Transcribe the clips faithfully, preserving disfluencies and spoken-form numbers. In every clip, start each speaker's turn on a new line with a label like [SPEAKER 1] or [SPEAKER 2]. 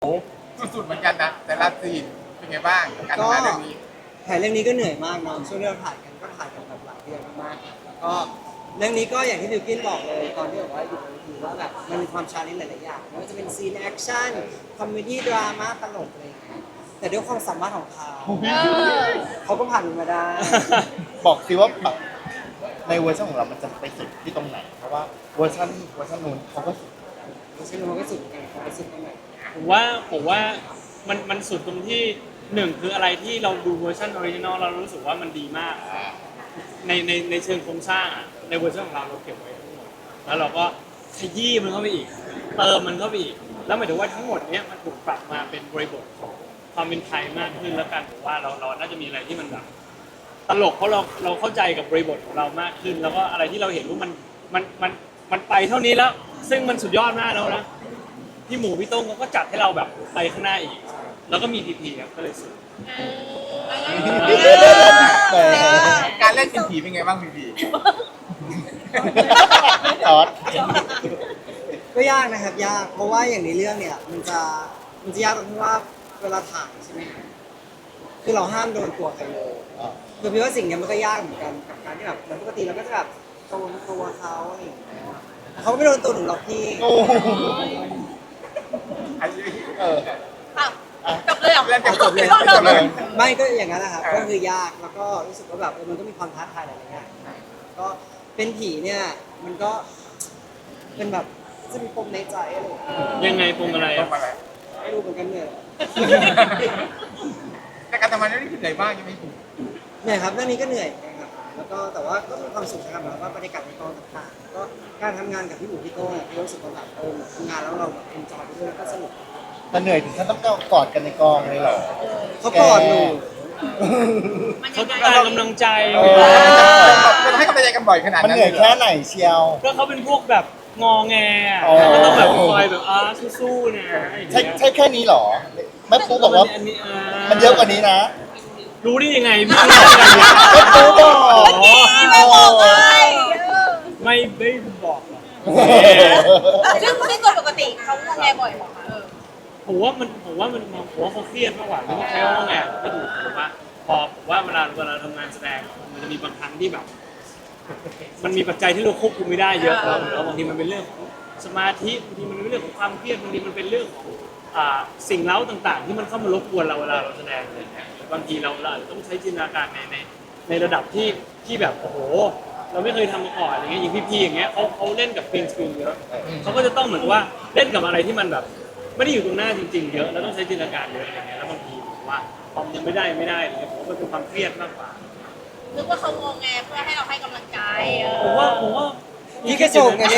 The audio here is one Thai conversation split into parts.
[SPEAKER 1] สุดๆเหมือนกันนะแต่ละซีนเป็นไงบ้างการทำงานเรื่องนี้
[SPEAKER 2] ถ่ายเรื่องนี้ก็เหนื่อยมากเนาะช่วงที่เราถ่ายกันก็ถ่ายกันแบบหลายเดือนมากๆแล้วก็เรื่องนี้ก็อย่างที่บิวกินบอกเลยตอนที่บอกว่าอยู่บนเวทีว่าแบบมันมีความชาเลนจ์หลายๆอย่างไม่ว่าจะเป็นซีนแอคชั่นคอมเมดี้ดราม่าตลกอะไรอย่างเงี้ยแต่ด้วยความสามารถของเขาเขาก็ผ่านมันมาได้
[SPEAKER 3] บอกสิว่าแบบในเวอร์ชันของเรา มันจะไปสุดที่ตรงไหน เพราะว่าเวอร์ชันเวอร์ชันนู้นเขาก็สุด
[SPEAKER 2] ไม่ใช่มันก็สุดกันเขาไปสุดตรงไหน
[SPEAKER 4] ผมว่าผมว่ามันมันสุดตรงที่หนึ่งคืออะไรที่เราดูเวอร์ชันออริจินอลเรารู้สึกว่ามันดีมากในในในเชิงโครงสร้างอะในเวอร์ชันของเราเราเก็บไว้ทั้งหมดแล้วเราก็ขยี้มันเข้าไปอีกเติมมันเข้าไปอีกแล้วหมายถึงว่าทั้งหมดเนี้ยมันถูกปรับมาเป็นบริบทของความเป็นไทยมากขึ้นแล้วกันผมว่าเราเราน่าจะมีอะไรที่มันแบบตลกเพราะเราเราเข้าใจกับบริบทของเรามากขึ้น แล้วก็อะไรที่เราเห็นว่ามันมันมันมันไปเท่านี้แล้ว ซึ่งมันสุดยอดมากแล้วนะพี่หมูพี่ต้งเขาก็จัดให้เราแบบไปข้างหน้าอีก แล้วก็มีพีพีครับก็เลยสุด
[SPEAKER 3] แต่
[SPEAKER 1] การเล่นเป็นผีเป็นไงบ้างพี่พี
[SPEAKER 3] ตอด
[SPEAKER 2] ก็ยากนะครับยากเพราะว่าอย่างในเรื่องเนี่ยมันจะมันจะยากตรงที่ว่าเวลาถ่ายใช่ไหมครับคือเราห้ามโดนตัวใครเลยคือพี่ว่าสิ่งเนี้ยมันก็ยากเหมือนกันกับการที่แบบเหมือนปกติเราก็จะแบบโดนตัวเขาอะไรอย่างเงี้ยเขาไม่โดนตัวหนูหรอกพี่
[SPEAKER 3] โอ้โห
[SPEAKER 1] อันนี้
[SPEAKER 3] เออ
[SPEAKER 5] จบเลยเหรอ
[SPEAKER 1] เล่นจบเลย
[SPEAKER 3] จบเลย
[SPEAKER 2] ไม่ก็อย่างนั้นนะครับก็คือยากแล้วก็รู้สึกว่าแบบเออมันก็มีความท้าทายหลายๆอย่างก็เป็นผีเนี่ยมันก็เป็นแบบจะมีปมในใจอะไรอย่างเงี้ย
[SPEAKER 4] ยังไงปรุงอะไร
[SPEAKER 1] ต้อ
[SPEAKER 4] อ่ะ
[SPEAKER 1] งมาอะไร
[SPEAKER 2] ไม่รู้เหมือนกันเนี่ย
[SPEAKER 1] แต่การทำงานเรื่องนี้คือเหนื่อยมากใช่ไหมพี่
[SPEAKER 2] เหนื่อยครับเรื่องนี้ก็เหนื่อยนะครับแล้วก็แต่ว่าก็มีความสุขนะครับแล้วก็บรรยากาศในกองต่างๆก็การทำงานกับพี่หมูพี่โต้งเนี่ยพี่รู้สึกว่าแบบเออทำงานแล้วเราเอ็นจอยไปด้วยแล้วก็สนุก
[SPEAKER 3] แต่เหนื่อยถึงขั้นต้องกอดกันในกองเลยเหรอ
[SPEAKER 2] เขากอดหนู
[SPEAKER 4] เขาต้องการกำลังใจ
[SPEAKER 3] เออ
[SPEAKER 1] เราให้กำลังใจกันบ่อยขนาด
[SPEAKER 3] มัน
[SPEAKER 1] นั้น
[SPEAKER 3] เหนื่อยแค่ไหนเชียว
[SPEAKER 4] ก็เขาเป็นพวกแบบงอแงอะ
[SPEAKER 3] อ๋อ
[SPEAKER 4] ก็ต้องแบบคอยแบบอ่าสู้ๆนะอย่าง
[SPEAKER 3] ใช่
[SPEAKER 4] เงี้ย
[SPEAKER 3] ใช่แค่นี้เหรอแม่ปูบอกว่า
[SPEAKER 4] อันนี้อ่า
[SPEAKER 3] มันเยอะกว่านี้นะ
[SPEAKER 4] รู้ได้ยังไงพี่รู้ได้ยังไง
[SPEAKER 3] แม่ปูบอก
[SPEAKER 4] อ๋อ
[SPEAKER 5] ไม่บอกเลย
[SPEAKER 4] ไม่ไม่บอกหรอก
[SPEAKER 5] ซึ่งซึ่งโดยปกติเขางอแงบ่อยเหรอคะเออ
[SPEAKER 4] ผมว่ามันผมว่ามันผมว่าเขาเครียดมากกว่าไม่ต้องใช้คำว่าไงก็ถูกผมว่าพอผมว่าเวลาเวลาทำงานแสดงมันจะมีบางครั้งที่แบบ มันมีปัจจัยที่เราควบคุมไม่ได้เยอะแล้วแล้วบางทีมันเป็นเรื่องของสมาธิบางทีมันเป็นเรื่องของความเครียดบางทีมันเป็นเรื่องของอ่าสิ่งเล้าต่างๆ ที่มันเข้ามารบกวนเราเวลาเราแสดงอะไรอย่างเงี้ยบางทีเราเราอาจจะต้องใช้จินตนาการในในในระดับที่ที่แบบโอ้โห เราไม่เคยทำมาก่อนอะไรเงี้ยอย่างพี่ๆอย่างเงี้ยเขาเขาเล่นกับกรีนสกรีนเยอะเขาก็จะต้องเหมือนกับว่าเล่นกับอะไรที่มันแบบ ไม่ได้อยู่ตรงหน้าจริงๆเยอะแล้วต้องใช้จินตนาการเยอะอะไรเงี้ยแล้วบางทีผมว่าพอมันไม่ได้ไม่ได้อะไรเงี้ยผมว่ามันเป็นความเครียดมากกว่า
[SPEAKER 5] นึกว่าเขางอแงเพื่อให้เราให้กำลังใจเอ
[SPEAKER 4] ผม
[SPEAKER 5] อ
[SPEAKER 4] ว่าผมว่า
[SPEAKER 2] นี่ก็ส่งกันเนี่ย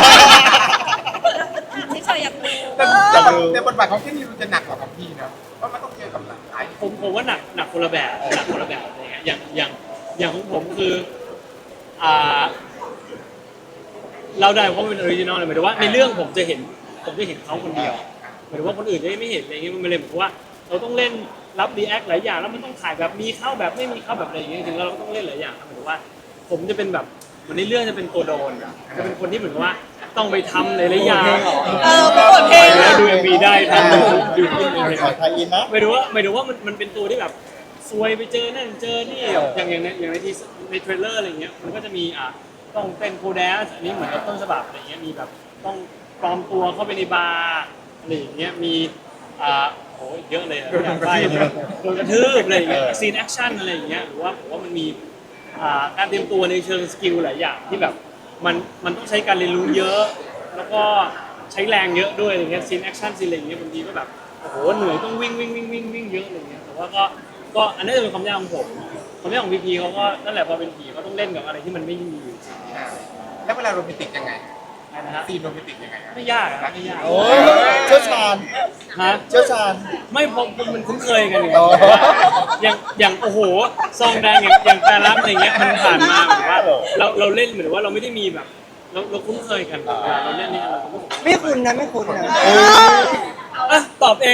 [SPEAKER 5] ที่เฉยอยากดู
[SPEAKER 1] แต่แต่บทแต่บทบาทของที่นี่มันจะหนักกว่าของพี่นะเพราะมันต้องเจอกับหลาย
[SPEAKER 4] ผมผมว่าหนักหนักคนละแบบหนักคนละแบบอะไรเงี้ยอย่างอย่างอย่างของผมคืออ่าเราได้เพราะเป็นออริจินอลเลยหมายถึงว่าในเรื่องผมจะเห็นผมจะเห็นเขาคนเดียวหมายถึงว่าคนอื่นจะไม่เห็นอะไรเงี้ยมันเลยเหมือนว่าเราต้องเล่นรับรีแอคหลายอย่างแล้วมันต้องถ่ายแบบมีเข้าแบบไม่มีเข้าแบบอะไรอย่างเงี้ยจริงๆแล้วเราต้องเล่นหลายอย่างหมายถึงว่า ผมจะเป็นแบบเหมือนในเรื่องจะเป็นตัวโดนจะเป็นคนที่เหมือนว่าต้องไปทำหลายๆอย่าง
[SPEAKER 5] เออเป็นบทเพลง
[SPEAKER 4] แล้
[SPEAKER 5] อะ
[SPEAKER 4] วดูเอ็มวีได้ทำดูดูอินเอ็มวี
[SPEAKER 3] ขอไทยอินนะ
[SPEAKER 4] หมายถึงว่าหมายถึงว่ามันมันเป็นตัวที่แบบซวยไปเจอนั่นเจอนี่แบบอย่างอย่างในอย่างในทีในเทรลเลอร์อะไรเงี้ยมันก็จะมีอ่ะต้องเป็นโคแดสอันนี้เหมือนกับต้นฉบับอะไรเงี้ยมีแบบต้องปลอมตัวเข้าไปในบาร์อะไรอย่างเงี้ยมีอ่าโอ้ยเยอะเลยอะอยากไปโดนกระทืบอะไรอย่างเงี้ยซีนแอคชั่นอะไรอย่างเงี้ยหรือว่าผมว่ามันมีอ่าการเตรียมตัวในเชิงสกิลหลายอย่างที่แบบมันมันต้องใช้การเรียนรู้เยอะ แล้วก็ใช้แรงเยอะด้วยอะไรเงี้ยซีนแอคชั่นซีนอะไรอย่างเงี้ยบางทีก็แบบโอ้โหเหนื่อยต้องวิ่งวิ่งวิ่งวิ่งวิ่งเยอะอะไรเงี้ยแต่ว่าก็ก็อันนี้จะเป็นความยากของผมความยากของพีพีเขาก็นั่นแหละพอเป็นผีเขาต้องเล่นกับอะไรที่มันไม่มีอยู่
[SPEAKER 1] ๆแล้วเวลาโรแมนติกยังไง
[SPEAKER 4] นะฮะ
[SPEAKER 1] ซีนโรแมนติกยังไงอะ
[SPEAKER 4] ไม่ยากอะไม่ยาก
[SPEAKER 3] โอ้ยเชี่ยวชาญ
[SPEAKER 4] ฮะ
[SPEAKER 3] เชี่ยวชาญ
[SPEAKER 4] ไม่พอมันคุ้นเคยกันอยู่
[SPEAKER 3] อ๋อ
[SPEAKER 4] อย่างอย่างโอ้โหซองแดงอย่างอย่างแต่รับอะไรเงี้ยมันผ่านมาเหมือนว่าเราเราเล่นเหมือนว่าเราไม่ได้มีแบบเราเราคุ้นเคยกันเวลาเราเล่นนี่เราก็
[SPEAKER 2] ไม่คุณนะไม่คุณนะ
[SPEAKER 4] อ่ะตอบเอง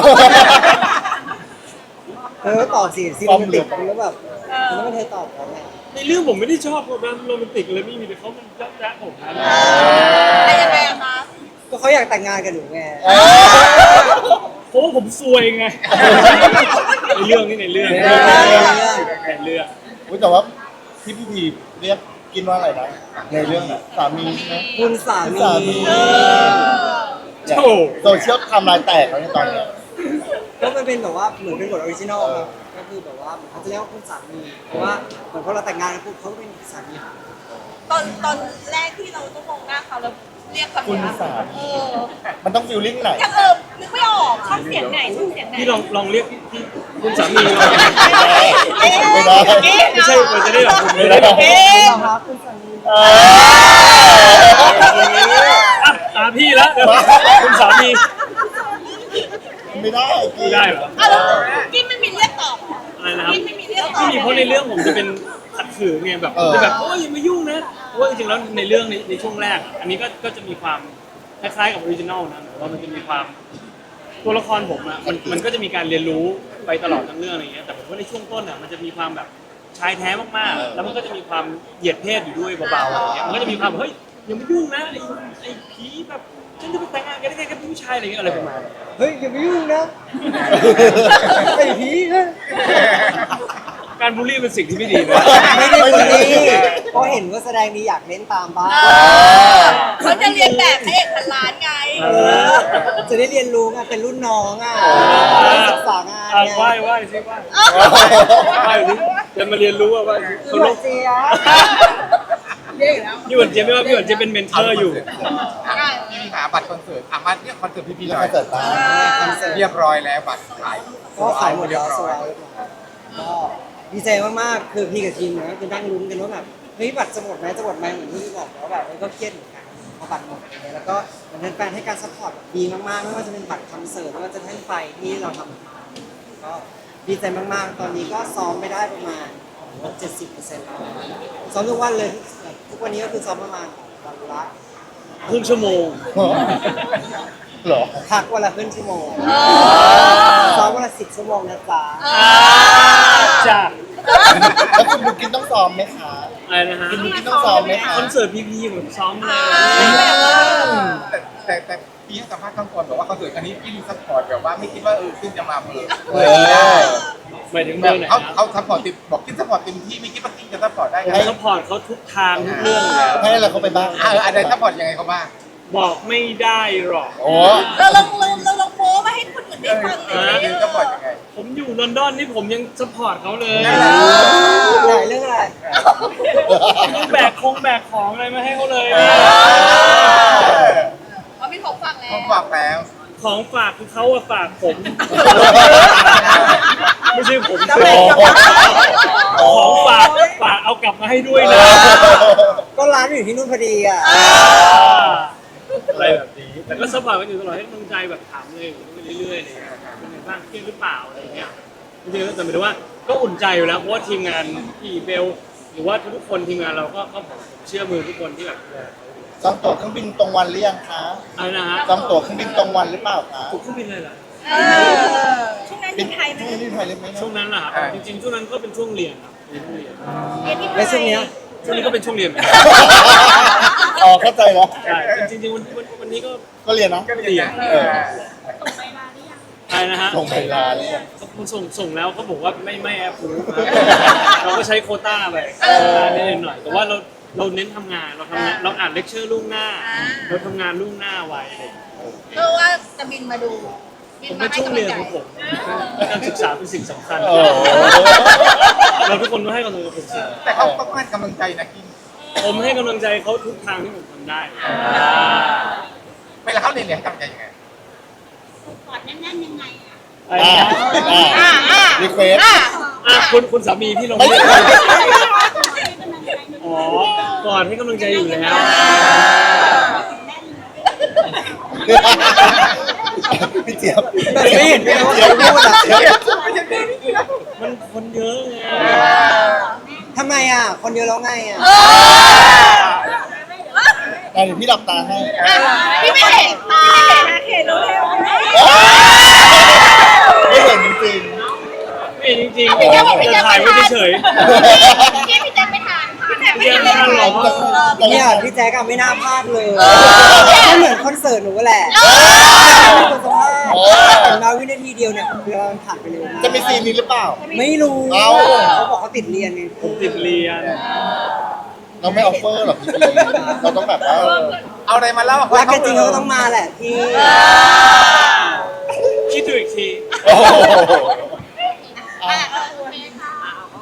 [SPEAKER 2] เออตอบสิซีโรแมนติกแล้วแบบมันไม่เคยตอบเราไง
[SPEAKER 4] ในเรื่องผมไม่ได้ชอบแบบโรแมนติกเลยไม่มีแต่เขามันยักแยะผมนะ
[SPEAKER 5] แต่ยังไงอะคะ
[SPEAKER 2] ก็เขาอยากแต่งงานกับหนูไง
[SPEAKER 3] เออ
[SPEAKER 4] เพราะว่าผมซวยไงในเรื่องนี่ในเรื่องในเรื่องในเรื่อง
[SPEAKER 3] อุ๊ยแต่ว่าที่พี่พีเรียกกินว่าอะไรนะในเรื่องน่ะสามีใช่ไหม
[SPEAKER 2] คุณสา
[SPEAKER 3] คุณ
[SPEAKER 2] มี
[SPEAKER 3] สามี
[SPEAKER 4] โอ้
[SPEAKER 3] โซเชียลทำลายแตกแล้วในตอนเนี้ย
[SPEAKER 2] ก็มันเป็นแบบว่าเหมือนเป็นบทออริจินอลครับก็คือแบบว่าเขาจะเรียกว่าคุณสามีเพราะว่าเหมือนพอเราแต่งงานกันปุ๊บเขาก็เป็นสามีของเรา
[SPEAKER 5] ตอนตอนแรกที่เราต้องมองหน้าเขาแล้วเรียกคำ
[SPEAKER 3] คุณ
[SPEAKER 5] นี้
[SPEAKER 3] สามี
[SPEAKER 5] เออ
[SPEAKER 3] มันต้องฟิลลิ่งไหน
[SPEAKER 5] ยังเออนึกไม่ออกช่องเสียงไหนช่องเสียงไหน
[SPEAKER 4] พี่ลองลองเรียกพี่พี่คุณสามีลอง
[SPEAKER 3] ไม่ได้
[SPEAKER 4] ไม่ใช่มันจะได้แบบคุณ
[SPEAKER 3] ไม่
[SPEAKER 4] ไม่
[SPEAKER 3] ได้
[SPEAKER 4] ได้
[SPEAKER 5] เอ๊ะ
[SPEAKER 2] ครับคุณสามี
[SPEAKER 3] เออ
[SPEAKER 4] อ่ะตามพี่แล้วเดี๋ยวคุณสามี
[SPEAKER 3] ไม่ได้กิ
[SPEAKER 4] ไม่
[SPEAKER 3] น
[SPEAKER 4] ได้เหรอ
[SPEAKER 5] อ่ะแล้วกินไม่มีเรียกตอบ
[SPEAKER 4] อะไรนะครับ
[SPEAKER 5] กินไม่มีเรียกตอบ
[SPEAKER 4] ไม่มีเพราะในเรื่องผมจะเป็นขัดขืนไงแบบจะแบบโอ้ยอย่ามายุ่งนะเพราะว่าจริงๆแล้วในเรื่องในในช่วงแรกอะอันนี้ก็ก็จะมีความคล้ายๆกับออริจินอลนะแต่ว่ามันจะมีความตัวละครผมอะมันมันก็จะมีการเรียนรู้ไปตลอดทั้งเรื่องอะไรเงี้ยแต่ผมว่าในช่วงต้นอะมันจะมีความแบบชายแท้มากๆแล้วมันก็จะมีความเหยียดเพศอยู่ด้วยเบาๆอะไรเงี้ยมันก็จะมีความเฮ้ยอย่ามายุ่งนะไอ้ไอ้ผีแบบฉันจะไปแต่งงานกันได้ไงกับผู้ชายอะไรเงี้ยอะไรประมาณนี้
[SPEAKER 2] เฮ้ยอย่าไปยุ่งนะไอ้ผีนะ
[SPEAKER 4] การบูลลี่เป็นสิ่งที่ไม่ดีนะ
[SPEAKER 2] ไม่ได้คนนี้เพราะเห็นว่าแสดงดีอยากเล่นตามบ้าง
[SPEAKER 5] เออเขาจะเรียนแบบพระเอกพันล้านไง
[SPEAKER 2] เออจะได้เรียนรู้ไงเป็นรุ่นน้องอ่ะได้ศึกษางาน
[SPEAKER 4] อ่ะ
[SPEAKER 2] ไง
[SPEAKER 4] ไหว้ไหว้สิไหว้ไหว้สิจะมาเรียนรู้ว่าว่า
[SPEAKER 2] พี่
[SPEAKER 4] เขา
[SPEAKER 2] ห
[SPEAKER 4] ล
[SPEAKER 2] วาน
[SPEAKER 4] ง
[SPEAKER 2] เจี๊ยบ
[SPEAKER 4] พี่หวันเจี๊ยบไม่ว่าพี่หวันเจี๊ยบเป็นเมนเทอร์อยู่
[SPEAKER 1] พี่หาบัตรคอนเสิร์ตอ่ะมาเนี่ยคอนเสิร์ตพี่พีห
[SPEAKER 3] แล้ว
[SPEAKER 1] น่อ
[SPEAKER 3] ก็
[SPEAKER 1] ย
[SPEAKER 3] เกิดตา
[SPEAKER 2] คอนเสิร์ต
[SPEAKER 1] เรียบร้อยแล้วบัตรขาย
[SPEAKER 2] ก็ขายหมด
[SPEAKER 1] เรีย
[SPEAKER 2] แล้
[SPEAKER 1] บ
[SPEAKER 2] ว
[SPEAKER 1] ร้
[SPEAKER 2] ส
[SPEAKER 1] อ
[SPEAKER 2] วย ยก็ดีใจมากๆ คือพี่กับทีมนะคือนั่งลุ้นกันว่าแบบเฮ้ยบัตรจะหมดไหมจะหมดไหมเหมือนที่พี่บอกแล้วแบบเออก็เครียดเหมือนกันพอบัตรหมดอย่างเงี้ยแล้วก็เหมือนแฟนๆให้การซัพพอร์ตแบบดีมากๆไม่ว่าจะเป็นบัตรคอนเสิร์ตไม่ว่าจะแท่นไฟที่เราทำก็ดีใจมากๆ ตอนนี้ก็ซ้อมไปได้ประมาณเจ็ดสิบเปอร์เซ็นต์แล้วซ้อมทุกวันเลยทุกวันนี้ก็คือซ้อมประมาณวันละ
[SPEAKER 4] ครึ่งชั่วโมง
[SPEAKER 3] เหรอ
[SPEAKER 2] พักวันละครึ่งชั่วโมง
[SPEAKER 5] เออ
[SPEAKER 2] ซ้อมวันละสิบชั่วโมงนะจ๊ะ
[SPEAKER 4] จ้า
[SPEAKER 3] แล้วคุณบุกินต้องซ้อมไหมคะ
[SPEAKER 4] อะไรนะฮะ
[SPEAKER 3] คุณบุกินต้องซ้อมไหมคะ
[SPEAKER 4] คอนเสิร์ตพีพีผมซ้อมเลย
[SPEAKER 1] แต่แต่แต่พี่ให้สัมภาษณ์ข้างก่อนบอกว่าคอนเสิร์ตอันนี้พี่ซัพพอร์ตแบบว่าไม่คิดว่าเออขึ้นจะมาเมือง
[SPEAKER 3] เออ
[SPEAKER 4] หมายถึง
[SPEAKER 1] แบ
[SPEAKER 4] เมือบ งไหน
[SPEAKER 1] เขา
[SPEAKER 4] นะ
[SPEAKER 1] เขาซัพพอร์ตเต็มบอกคิดซัพพอร์ตเต็มที่ไม่คิดว่าคิดจะซัพพอร์ตได้
[SPEAKER 4] ผม
[SPEAKER 1] ไง
[SPEAKER 4] ซัพพอร์ตเขาทุกทางทุกเรื่องเลย
[SPEAKER 3] ให้อะไรเขาไปบ้าง
[SPEAKER 1] เอออะไรซัพพอร์ตยังไงเขาบ้าง
[SPEAKER 4] บอกไม่ได้หรอก
[SPEAKER 3] โอ้
[SPEAKER 5] เราลองเราเราลองโม้มาให้คนอื่นได้ฟังหน่อย
[SPEAKER 1] เออซัพพอร์ตยังไง
[SPEAKER 4] ผมอยู่ลอนดอนนี่ผมยังซัพพอร์ตเขาเลย
[SPEAKER 2] ใหญ่เรื่องอะไร
[SPEAKER 4] ต้องแบกคงแบกของอะไรมาให้เขาเลย
[SPEAKER 5] เขามีของฟังแล้
[SPEAKER 1] เขา
[SPEAKER 5] ว
[SPEAKER 1] ฝากแล้ว
[SPEAKER 4] ของฝากคือเขาอะฝากผม ไม่ใช่ผม
[SPEAKER 2] จะ
[SPEAKER 4] สิ
[SPEAKER 2] แบ่งกับ
[SPEAKER 4] ของฝากฝากเอากลับมาให้ด้วยนะ
[SPEAKER 2] ก็ร้านอยู่ที่นู่นพอดีอ่ะ
[SPEAKER 4] อะไรแบบนี้ แต่ก็ซัพพอร์ตกันอยู่ตลอดให้กำลังใจแบบถามเลยไปเรื่อยๆเลยเป็นไงบ้างเครียดหรือเปล่าอะไรอย่างเงี้ยจริงๆแต่หมายถึงว่าก็อุ่นใจอยู่แล้วเพราะว่าทีมงานพี่เบลหรือว่าทุกคนทีมงานเราก็ก็ผมเชื่อมือทุกคนที่แบบ
[SPEAKER 3] จองตั๋วเครื่องบินตรงวันหรือยังคะ
[SPEAKER 4] อะไรนะฮะ
[SPEAKER 3] จองตั๋วเครื่องบินตรงวันหรือเปล่าคะ
[SPEAKER 4] ผมเครื่องบินเลยเหรอ
[SPEAKER 5] เออช่วงนั้นอยู่ไทยไหม
[SPEAKER 3] ช่วงนี้ไทยเล็กไหม
[SPEAKER 4] ช่วงนั้นเหรอครับจริงๆช่วงนั้นก็เป็นช่วงเรียนครับเป็นช่วงเรียน
[SPEAKER 5] เรียนที่ไท
[SPEAKER 2] ในช่วง
[SPEAKER 5] ย
[SPEAKER 2] เนี้ย
[SPEAKER 4] ช่วงนี้ก็เป็นช่วงเรียนเหมือนกัน
[SPEAKER 3] อ๋อเข้าใจแล้ว
[SPEAKER 4] ใช่จริงๆวันวันวันนี้ก็
[SPEAKER 3] ก็เรียนเนาะ
[SPEAKER 1] ก็เรียน
[SPEAKER 3] เออ
[SPEAKER 4] อะไรนะฮะ
[SPEAKER 3] ส่งไปลาเลย
[SPEAKER 4] เขาส่งส่งแล้วเขาบอกว่าไม่ไม่แอปพูเราก็ใช้โควต้าไปนิดหน่อยแต่ว่าเราเราเน้นทำงานเราทำงานเราอ่านเลคเชอร์ล่วงหน้า เราทำงานล่วงหน้าไว้อะไรอย่างเงี้ย
[SPEAKER 5] เพื่อว่าจะบินมาดูบิ
[SPEAKER 4] ผม
[SPEAKER 5] มา
[SPEAKER 4] เป็น
[SPEAKER 5] ให้
[SPEAKER 4] ช่วง
[SPEAKER 5] กำลั
[SPEAKER 4] เรี
[SPEAKER 5] ง
[SPEAKER 4] ยน
[SPEAKER 5] ใจ
[SPEAKER 4] ของผมการศึกษาเป็นสิ่งสำคัญ
[SPEAKER 3] โอ้
[SPEAKER 4] เราทุกคนต้องให้กำลังใจผมสิ
[SPEAKER 1] แต่เขาต้องให้กำลังใจนะกิน
[SPEAKER 4] ผมให้กำลังใจเขาทุกทางที่ผมทำได้
[SPEAKER 1] เวลาเขาเรียนเนี่ยให้กำลังใจยังไง
[SPEAKER 4] อะไรนะ
[SPEAKER 3] อ่าอ่ารีเควส
[SPEAKER 4] อ่ะคุณคุณสามีพี่ลง
[SPEAKER 3] ไม่
[SPEAKER 4] เรียน
[SPEAKER 3] ใช่
[SPEAKER 4] อ๋อก่อนให้กำลังใจอยู่แล้ว
[SPEAKER 3] พี่เจี๊ยบ
[SPEAKER 2] แต่ไม่เห็นด้วยนะว่าใครพูดอ่ะ
[SPEAKER 4] มันคนเยอะไง
[SPEAKER 2] ทำไมอ่ะ คนเดียวแล้วไงอ่ะ
[SPEAKER 3] เดี๋ยวพี่หลับตาให้
[SPEAKER 5] พี่ไม่เห็นพี่ไม่เห็นนะเห็นรู้แล้ว
[SPEAKER 3] ไม่เห็นจริง
[SPEAKER 4] ไม่จริงๆจะถ่ายไว้เฉย
[SPEAKER 5] พี่พี่แจ๊คไม่ทานพี่แจ๊คไม่
[SPEAKER 4] พี่
[SPEAKER 5] ทาน
[SPEAKER 4] แจ๊คไม่ทานหรอ
[SPEAKER 3] ๆ
[SPEAKER 2] เนี่ยพี่แจ๊กอะไม่น่าพลาดเลยก็เหมือนคอนเสิร์ตหนูแหละคนสภาพ
[SPEAKER 3] โอ้
[SPEAKER 2] เห็นมาวินาทีเดียวเนี่ยคือมันผ่านไปเร็วมาก
[SPEAKER 3] จะมีซีนนี้หรือเปล่า
[SPEAKER 2] ไม่รู้
[SPEAKER 3] เอ้า
[SPEAKER 2] เขาบอกเขาติดเรียนไง
[SPEAKER 4] ผมติดเรียน
[SPEAKER 3] เราไม่ออฟเฟอร์หรอกพี่เราต้องแบบว่า
[SPEAKER 1] เอาอะไรมาเล่า
[SPEAKER 2] รักกันจริงเขาก็ต้องมาแหละพี่
[SPEAKER 4] คิดดูอีกที
[SPEAKER 3] โอ้โห
[SPEAKER 5] อ่ะเออโอเคค่ะ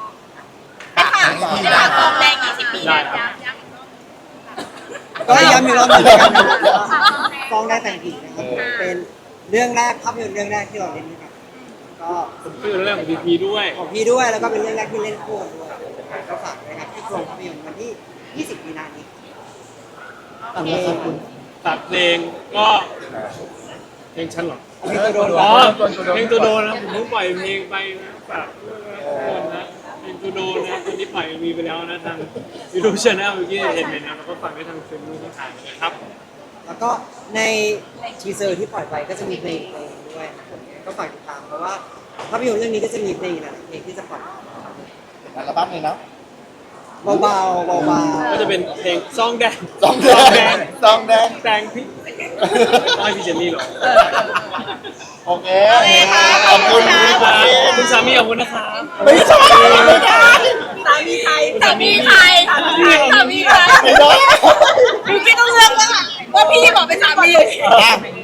[SPEAKER 5] ไม่ฝากไม่ฝากกองแดงยี่สิบปี
[SPEAKER 4] ได้
[SPEAKER 5] นะครับ
[SPEAKER 2] ก็ย้ำอีกรอบหนึงแล้วกันนะครับฟ้องได้แต่งผีนะครับเป็นเรื่องแรกภาพยนตร์เรื่องแรกที่เราเล่นด้วยกันก็
[SPEAKER 4] ผมคือเรื่องของพีพีด้วย
[SPEAKER 2] ของพี่ด้วยแล้วก็เป็นเรื่องแรกที่เล่นคู่กันด้วยก็ฝากด้วยครับที่โรงภาพยนตร์วันที่ ยี่สิบ มีนาคมนี้
[SPEAKER 3] ตามนะครับคุณ
[SPEAKER 4] ตัดเพลงก็เพลงฉันเหรอ
[SPEAKER 2] เพลงตัวโดน
[SPEAKER 4] อ๋อเพลงตัวโดนนะผมเพิ่งปล่อยเพลงไปนะฝากด้วยนะทุกคนนะเพลงตัวโดนนะตอนนี้ปล่อยมีไปแล้วนะทางยูทูบช anel เมื่อกี้เห็นไหมนะแล้วก็ฝากได้ทางเฟซบุ๊กทางนะครับ
[SPEAKER 2] แล้วก็ในทีเซอร์ที่ปล่อยไปก็จะมีเพลงเพลงด้วยนะครับก็ฝากติดตามเพราะว่าภาพยนตร์เรื่องนี้ก็จะมีเพลงหลายๆเพลงที่จะปล่อย
[SPEAKER 3] อัลบั้มเลยเนาะ
[SPEAKER 2] เบาๆเบาๆ
[SPEAKER 4] ก็จะเป็นเพลงซองแดง
[SPEAKER 3] ซองแดงซองแดง
[SPEAKER 4] แดงพริกต้องให้พี่เจนนี่เหรอ
[SPEAKER 3] โอเคขอบคุณคุณ
[SPEAKER 4] ค
[SPEAKER 3] พี่
[SPEAKER 4] รับคุณสามีขอบคุณนะครับ
[SPEAKER 3] ไม่ใช่ไม่ได้
[SPEAKER 5] สามีใครสามีใครสามีใคร
[SPEAKER 3] ไม่ได้
[SPEAKER 5] พี่ต้องเลือกว่าว่าพี่บอกเป็นสามี
[SPEAKER 3] อ่ะ